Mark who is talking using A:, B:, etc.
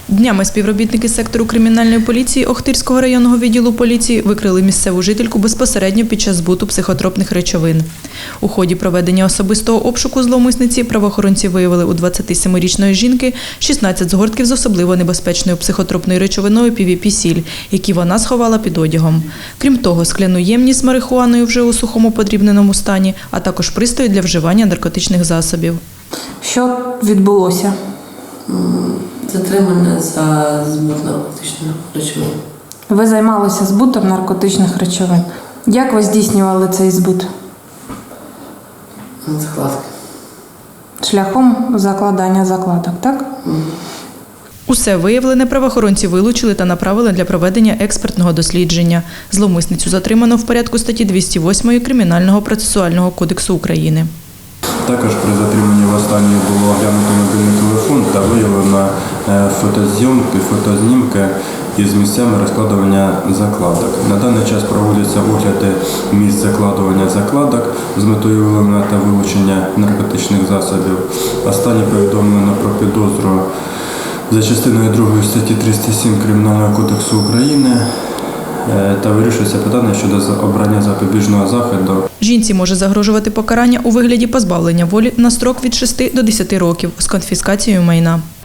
A: Днями співробітники сектору кримінальної поліції Охтирського районного відділу поліції викрили місцеву жительку безпосередньо під час збуту психотропних речовин. У ході проведення особистого обшуку зловмисниці правоохоронці виявили у 27-річної жінки 16 згортків з особливо небезпечною психотропною речовиною PVP-сіль, які вона сховала під одягом. Крім того, скляну ємність з марихуаною вже у сухому подрібненому стані, а також пристрої для вживання наркотичних засобів.
B: Що відбулося?
C: Затримання за збут наркотичних речовин.
B: Ви займалися збутом наркотичних речовин. Як ви здійснювали цей збут?
C: Закладки.
B: Шляхом закладання закладок, так?
A: Усе виявлене правоохоронці вилучили та направили для проведення експертного дослідження. Зловмисницю затримано в порядку статті 208 Кримінального процесуального кодексу України.
D: Також при затриманні в останньої було оглянуто мобільний телефон та виявлено фотознімки із місцями розкладування закладок. На даний час проводяться огляди місць закладування закладок з метою виявлення та вилучення наркотичних засобів. Останнє повідомлено про підозру за частиною 2 статті 307 Кримінального кодексу України та вирішується питання щодо обрання запобіжного заходу.
A: Жінці може загрожувати покарання у вигляді позбавлення волі на строк від 6 до 10 років з конфіскацією майна.